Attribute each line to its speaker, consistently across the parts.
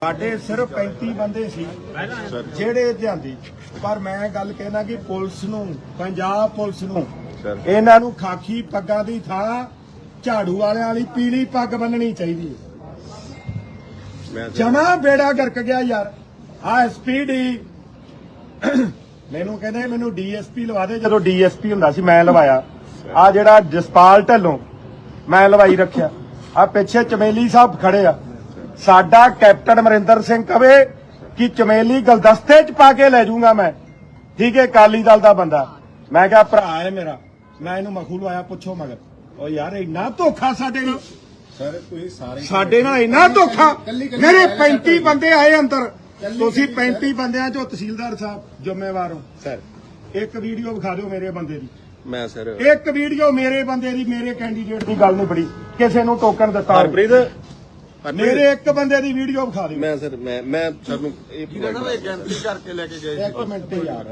Speaker 1: ਸਾਡੇ ਸਿਰਫ 35 ਬੰਦੇ ਸੀ ਜਿਹੜੇ ਜਾਂਦੀ, ਪਰ ਮੈਂ ਗੱਲ ਕਹਿਣਾ ਕਿ ਪੁਲਿਸ ਨੂੰ, ਪੰਜਾਬ ਪੁਲਿਸ ਨੂੰ ਇਹਨਾਂ ਨੂੰ ਖਾਕੀ ਪੱਗਾਂ ਦੀ ਥਾਂ ਝਾੜੂ ਵਾਲਿਆਂ ਵਾਲੀ ਪੀਲੀ ਪੱਗ ਬੰਨਣੀ ਚਾਹੀਦੀ ਹੈ। ਜਮਾ ਬੇੜਾ ਗਰਕ ਗਿਆ ਯਾਰ। ਆ ਐਸਪੀਡੀ ਮੈਨੂੰ ਕਹਿੰਦੇ ਮੈਨੂੰ ਡੀਐਸਪੀ ਲਵਾ ਦੇ, ਜਦੋਂ ਡੀਐਸਪੀ ਹੁੰਦਾ ਸੀ ਮੈਂ ਲਵਾਇਆ। ਆ ਜਿਹੜਾ ਜਸਪਾਲ ਢੱਲੋਂ ਮੈਂ ਲਵਾਈ ਰੱਖਿਆ। ਆ ਪਿੱਛੇ ਚਮੇਲੀ ਸਾਹਿਬ ਖੜੇ ਆ। ਸਾਡਾ ਕੈਪਟਨ ਅਮਰਿੰਦਰ ਸਿੰਘ ਕਵੇ ਕਿ ਚਮੇਲੀ ਗਲਦਸਤੇ ਚ ਪਾ ਕੇ ਲੈ ਜਾਊਂਗਾ ਮੈਂ, ਠੀਕ ਹੈ, ਅਕਾਲੀ ਦਲ ਦਾ ਬੰਦਾ। ਮੈਂ ਕਿਹਾ ਭਰਾ ਹੈ ਮੇਰਾ, ਮੈਂ ਇਹਨੂੰ ਮਖੂ ਲਵਾਇਆ, ਪੁੱਛੋ ਮਗਰ। ਉਹ ਯਾਰ ਇੰਨਾ ਧੋਖਾ ਸਾਡੇ ਨਾਲ,
Speaker 2: ਸਰ ਤੁਸੀਂ ਸਾਰੇ
Speaker 1: ਸਾਡੇ ਨਾਲ ਇੰਨਾ ਧੋਖਾ। ਮੇਰੇ 35 ਬੰਦੇ ਆਏ ਅੰਦਰ, ਤੁਸੀਂ 35 ਬੰਦਿਆਂ ਚੋਂ ਤਹਿਸੀਲਦਾਰ ਸਾਹਿਬ ਜ਼ਿੰਮੇਵਾਰ ਹੋ।
Speaker 2: ਸਰ
Speaker 1: ਇੱਕ ਵੀਡੀਓ ਵਿਖਾ ਦਿਓ ਮੇਰੇ ਬੰਦੇ ਦੀ,
Speaker 2: ਮੈਂ ਸਰ
Speaker 1: ਇੱਕ ਵੀਡੀਓ ਮੇਰੇ ਬੰਦੇ ਦੀ, ਮੇਰੇ ਕੈਂਡੀਡੇਟ ਦੀ ਗੱਲ ਨਹੀਂ ਬੜੀ, ਕਿਸੇ ਨੂੰ ਟੋਕਨ ਦਿੱਤਾ ਹੋਵੇ।
Speaker 2: ਹਰਪ੍ਰੀਤ
Speaker 1: ਮੇਰੇ ਇੱਕ ਬੰਦੇ ਦੀ ਵੀਡੀਓ ਵਿਖਾ ਦਿਓ।
Speaker 2: ਮੈਂ ਸਰ ਮੈਂ ਸਰ ਨੂੰ ਇਹ
Speaker 3: ਗੈਂਟਰੀ ਕਰਕੇ ਲੈ ਕੇ ਗਏ
Speaker 1: ਇੱਕ ਮਿੰਟ ਯਾਰ,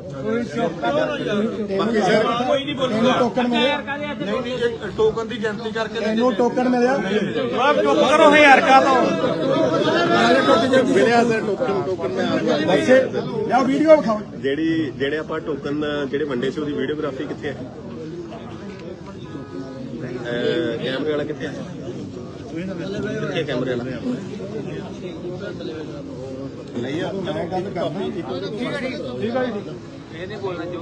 Speaker 3: ਬਾਕੀ ਸਰ ਕੋਈ ਨਹੀਂ
Speaker 1: ਤੈਨੂੰ ਟੋਕਨ ਮਿਲਿਆ?
Speaker 3: ਨਹੀਂ ਟੋਕਨ ਦੀ ਗੈਂਟਰੀ ਕਰਕੇ
Speaker 1: ਤੈਨੂੰ ਟੋਕਨ ਮਿਲਿਆ?
Speaker 3: ਚੁੱਪ ਕਰੋ ਹਜ਼ਾਰ ਕਾ ਤੋਂ
Speaker 2: ਮਿਲਿਆ ਸਰ ਟੋਕਨ ਮੈਂ ਆਪ
Speaker 1: ਵੈਸੇ ਯਾ ਵੀਡੀਓ ਵਿਖਾਓ।
Speaker 2: ਜਿਹੜੇ ਆਪਾਂ ਟੋਕਨ ਜਿਹੜੇ ਵੰਡੇ ਸੀ ਉਹਦੀ ਵੀਡੀਓਗ੍ਰਾਫੀ ਕਿੱਥੇ ਹੈ? ਕੈਮਰੇ ਵਾਲਾ ਕਿੱਥੇ ਹੈ? ਕਿੱਥੇ ਕੈਮਰੇ ਵਾਲਾ? ਨਹੀਂ ਆ
Speaker 1: ਮੈਂ ਗੱਲ ਕਰਦਾ। ਠੀਕ ਹੈ ਜੀ।
Speaker 3: ਇਹ ਨਹੀਂ ਬੋਲਣਾ ਜੋ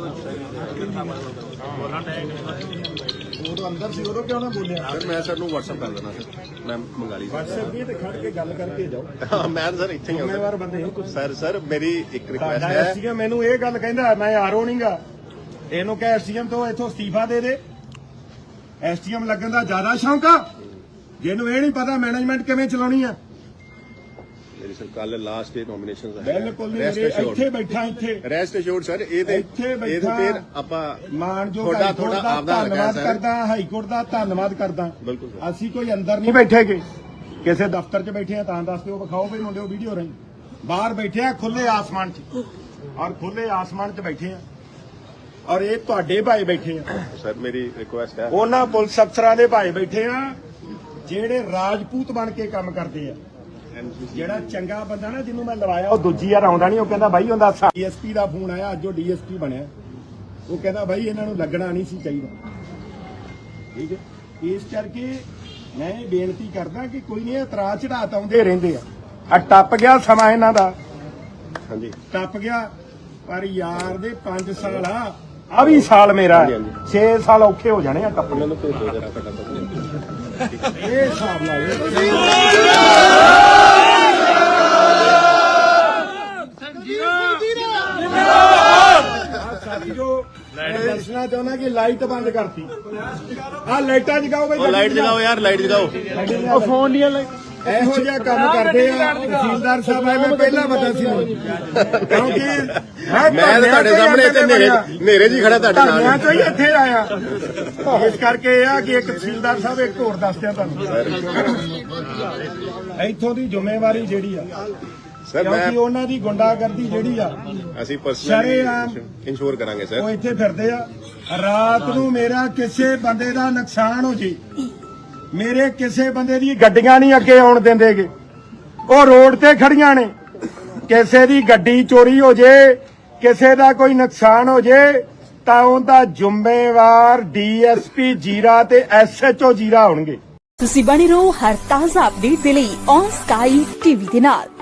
Speaker 1: ਉਦੋਂ ਅੰਦਰ ਸੀ, ਉਦੋਂ ਕਿਉਂ ਨਾ ਬੋਲਿਆ?
Speaker 2: ਸਰ ਮੈਂ ਸਰ ਨੂੰ WhatsApp ਕਰ ਦੇਣਾ ਸਰ, ਮੈਂ ਮੰਗਾ ਲਈ
Speaker 1: WhatsApp ਵੀ ਤੇ ਖੜ ਕੇ ਗੱਲ ਕਰਕੇ ਜਾਓ।
Speaker 2: ਮੈਂ ਸਰ ਇੱਥੇ ਹੀ
Speaker 1: ਜ਼ਿੰਮੇਵਾਰ ਬੰਦੇ ਹੋ।
Speaker 2: ਸਰ ਮੇਰੀ ਇੱਕ ਰਿਕੁਐਸਟ
Speaker 1: ਸਾਡਾ
Speaker 2: ਹੈ।
Speaker 1: ਐਸਡੀਐਮ ਮੈਨੂੰ ਇਹ ਗੱਲ ਕਹਿੰਦਾ ਮੈਂ ਆਰਓ ਨਹੀਂਗਾ, ਇਹਨੂੰ ਕਹੇ ਐਸਡੀਐਮ ਤੋਂ ਇੱਥੋਂ ਅਸਤੀਫਾ ਦੇ ਦੇ। ਐਸਡੀਐਮ ਲੱਗਣ ਦਾ ਜ਼ਿਆਦਾ ਸ਼ੌਂਕ ਆ, ਜਿਹਨੂੰ ਇਹ ਨਹੀਂ ਪਤਾ ਮੈਨੇਜਮੈਂਟ ਕਿਵੇਂ ਚਲਾਉਣੀ ਆ।
Speaker 2: ਮੇਰੀ ਸਰ ਕੱਲ ਲਾਸਟ ਡੇ ਨੋਮੀਨੇਸ਼ਨਸ ਹੈ।
Speaker 1: ਬਿਲਕੁਲ ਨਹੀਂ, ਇੱਥੇ ਬੈਠਾ, ਇੱਥੇ
Speaker 2: ਰੈਸਟ ਅਸ਼ੋਰਡ ਸਰ। ਇਹ ਤੇ
Speaker 1: ਇੱਥੇ
Speaker 2: ਇਹ
Speaker 1: ਬੈਠਾ।
Speaker 2: ਫਿਰ ਆਪਾਂ
Speaker 1: ਮਾਨਯੋਗ
Speaker 2: ਤੁਹਾਡਾ
Speaker 1: ਹਾਈਕੋਰਟ ਦਾ
Speaker 2: ਆਪਦਾ
Speaker 1: ਧੰਨਵਾਦ ਕਰਦਾ, ਹਾਈਕੋਰਟ ਦਾ ਧੰਨਵਾਦ ਕਰਦਾ।
Speaker 2: ਬਿਲਕੁਲ ਸਰ।
Speaker 1: ਅਸੀਂ ਕੋਈ ਅੰਦਰ ਨਹੀਂ ਬੈਠੇਗੇ, ਕਿਸੇ ਦਫ਼ਤਰ 'ਚ ਬੈਠੇ ਆ ਤਾਂ ਦੱਸ ਦਿਓ, ਵਿਖਾਓ ਵੀ ਮੁੰਡਿਓ ਵੀਡੀਓ ਰਹੀ। ਬਾਹਰ ਬੈਠੇ ਆ ਖੁੱਲੇ ਆਸਮਾਨ 'ਚ, ਔਰ ਖੁੱਲੇ ਆਸਮਾਨ 'ਚ ਬੈਠੇ ਆ, ਔਰ ਇਹ ਤੁਹਾਡੇ ਭਾਈ ਬੈਠੇ ਆ।
Speaker 2: ਸਰ ਮੇਰੀ ਰਿਕੁਐਸਟ ਹੈ,
Speaker 1: ਉਹਨਾਂ ਪੁਲਿਸ ਅਫਸਰਾਂ ਦੇ ਭਾਈ ਬੈਠੇ ਆ ਜਿਹੜੇ ਰਾਜਪੂਤ ਬਣ ਕੇ ਕੰਮ ਕਰਦੇ ਆ। ਜਿਹੜਾ ਚੰਗਾ ਬੰਦਾ ਨਾ ਜਿਹਨੂੰ ਮੈਂ ਲਵਾਇਆ, ਉਹ ਦੂਜੀ ਵਾਰ ਆਉਂਦਾ ਨਹੀਂ। ਉਹ ਕਹਿੰਦਾ ਬਾਈ ਉਹਦਾ ਡੀਐਸਪੀ ਦਾ ਫੋਨ ਆਇਆ, ਅੱਜ ਉਹ ਡੀਐਸਪੀ ਬਣਿਆ। ਉਹ ਕਹਿੰਦਾ ਬਾਈ ਇਹਨਾਂ ਨੂੰ ਲੱਗਣਾ ਨਹੀਂ ਸੀ ਚਾਹੀਦਾ, ਠੀਕ ਹੈ। ਇਸ ਕਰਕੇ ਮੈਂ ਇਹ ਬੇਨਤੀ ਕਰਦਾ ਕਿ ਕੋਈ ਨਹੀਂ, ਇਤਰਾਜ਼ ਚੜਾਤ ਆਉਂਦੇ ਰਹਿੰਦੇ ਆ। ਟੱਪ ਗਿਆ ਸਮਾਂ ਇਹਨਾਂ ਦਾ,
Speaker 2: ਹਾਂਜੀ
Speaker 1: ਟੱਪ ਗਿਆ। ਪਰ ਯਾਰ ਦੇ 5 ਸਾਲ ਆ ਵੀ ਸਾਲ ਮੇਰਾ 6 ਸਾਲ ਔਖੇ ਹੋ ਜਾਣੇ ਆ ਟੱਪਣੇ ਨੂੰ।
Speaker 2: ਭੇਜ ਦਿਓ ਜਰਾ ਫਟਾਫਟ।
Speaker 1: ਇਹ ਹਿਸਾਬ ਨਾਲ ਸਾਡੀ ਜੋ ਮੈਂ ਦੱਸਣਾ ਚਾਹੁੰਦਾ ਕਿ ਲਾਈਟ ਬੰਦ ਕਰਤੀ। ਆ ਲਾਈਟਾਂ ਜਗਾਓ ਬਈ,
Speaker 2: ਲਾਈਟ ਜਗਾਓ ਯਾਰ, ਲਾਈਟ ਜਗਾਓ।
Speaker 1: ਉਹ ਫੋਨ ਦੀਆਂ ਲਾਈਟ ਇਹੋ ਜਿਹਾ ਕੰਮ ਕਰਦੇ ਆ ਤਹਿਸੀਲਦਾਰ ਸਾਹਿਬ। ਮੈਂ ਪਹਿਲਾਂ ਪਤਾ ਸੀ, ਕਿਉਂਕਿ
Speaker 2: ਮੈਂ ਤੁਹਾਡੇ ਸਾਹਮਣੇ ਇੱਥੇ ਨੇਰੇ ਜੀ ਖੜਾ ਤੁਹਾਡੇ
Speaker 1: ਧਰਨਿਆਂ
Speaker 2: ਨਾਲ।
Speaker 1: ਚੋਂ ਹੀ ਇੱਥੇ ਆਇਆ। ਇਸ ਕਰਕੇ ਇਹ ਆ ਕਿ ਇੱਕ ਤਹਿਸੀਲਦਾਰ ਸਾਹਿਬ ਇੱਕ ਹੋਰ ਦੱਸਦਿਆਂ ਤੁਹਾਨੂੰ, ਇੱਥੋਂ ਦੀ ਜ਼ਿੰਮੇਵਾਰੀ ਜਿਹੜੀ ਆ,
Speaker 2: ਸਰ
Speaker 1: ਕਿਉਂਕਿ ਉਹਨਾਂ ਦੀ ਗੁੰਡਾਗਰਦੀ ਜਿਹੜੀ ਆ
Speaker 2: ਅਸੀਂ
Speaker 1: ਸ਼ਰੇਆਮ
Speaker 2: ਪਰਸਨਲੀ ਇੰਸ਼ੋਰ ਕਰਾਂਗੇ
Speaker 1: ਉਹ
Speaker 2: ਸਰ।
Speaker 1: ਇੱਥੇ ਫਿਰਦੇ ਆ। ਰਾਤ ਨੂੰ ਮੇਰਾ ਕਿਸੇ ਬੰਦੇ ਦਾ ਨੁਕਸਾਨ ਹੋ ਜੇ, ਮੇਰੇ ਕਿਸੇ ਬੰਦੇ ਦੀ ਗੱਡੀਆਂ ਨਹੀਂ ਅੱਗੇ ਆਉਣ ਦਿੰਦੇਗੇ, ਉਹ ਰੋਡ ਤੇ ਖੜੀਆਂ ਨੇ। ਕਿਸੇ ਦੀ ਗੱਡੀ ਚੋਰੀ ਹੋ ਜੇ, ਕਿਸੇ ਦਾ ਕੋਈ ਨੁਕਸਾਨ ਹੋ ਜੇ, ਤਾਂ ਉਹਦਾ ਜ਼ਿੰਮੇਵਾਰ ਡੀਐਸਪੀ ਜੀਰਾ ਤੇ ਐਸਐਚਓ ਜੀਰਾ ਹੋਣਗੇ।
Speaker 4: ਤੁਸੀਂ ਬਣੇ ਰਹੋ ਹਰ ਤਾਜ਼ਾ ਅਪਡੇਟ ਦੇ ਲਈ ਔਨ ਸਕਾਈ ਟੀਵੀ ਦੇ ਨਾਲ।